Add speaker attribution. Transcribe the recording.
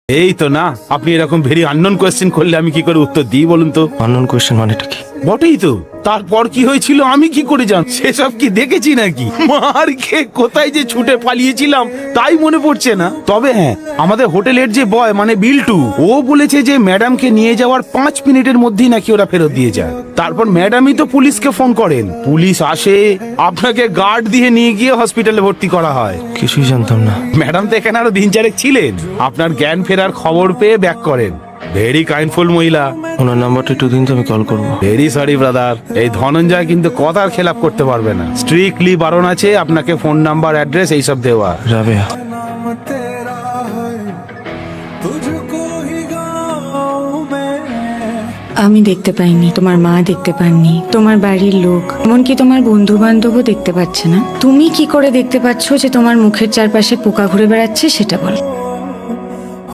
Speaker 1: এই তো না, আপনি এরকম ভেরি আননোন কোয়েশ্চেন করলে আমি কি করে উত্তর দিই বলুন তো?
Speaker 2: আননোন কোয়েশ্চেন মানেটা কি?
Speaker 1: বটেই তো, তারপর কি হয়েছিল আমি কি করে জান? সেসব কি দেখেছি নাকি? মার খেয়ে কোথায় যে ছুটে পালিয়েছিলাম তাই মনে পড়ছে না। তবে হ্যাঁ, আমাদের হোটেলের যে বয় মানে বিল্টু, ও বলেছে যে ম্যাডামকে নিয়ে যাওয়ার 5 মিনিটের মধ্যেই নাকি ওরা ফেরত দিয়ে যায়। তারপর ম্যাডামই তো পুলিশকে ফোন করেন, পুলিশ আসে, আপনাকে গার্ড দিয়ে নিয়ে গিয়ে হসপিটালে ভর্তি করা হয়।
Speaker 2: কিছুই জানতাম না।
Speaker 1: ম্যাডাম তো এখানে আরো দিন চারেক ছিলেন, আপনার জ্ঞান ফেরার খবর পেয়ে ব্যাক করেন। ভেরি কাইন্ডফুল মহিলা।
Speaker 2: ওনার নাম্বারটা একটু দিন তো, আমি কল করবো।
Speaker 1: ভেরি সরি ব্রাদার, এই ধনঞ্জয় কিন্তু কথার খেলাপ করতে পারবে না। স্ট্রিক্টলি বারণ আছে আপনাকে ফোন নাম্বার, অ্যাড্রেস এইসব দেওয়া।
Speaker 2: রাবেয়া,
Speaker 3: আমি দেখতে পাইনি, তোমার মা দেখতে পাননি, তোমার বাড়ির লোক, এমনকি তোমার বন্ধু বান্ধবও দেখতে পাচ্ছে না। তুমি কি করে দেখতে পাচ্ছ যে তোমার মুখের চারপাশে পোকা ঘুরে বেড়াচ্ছে সেটা বল।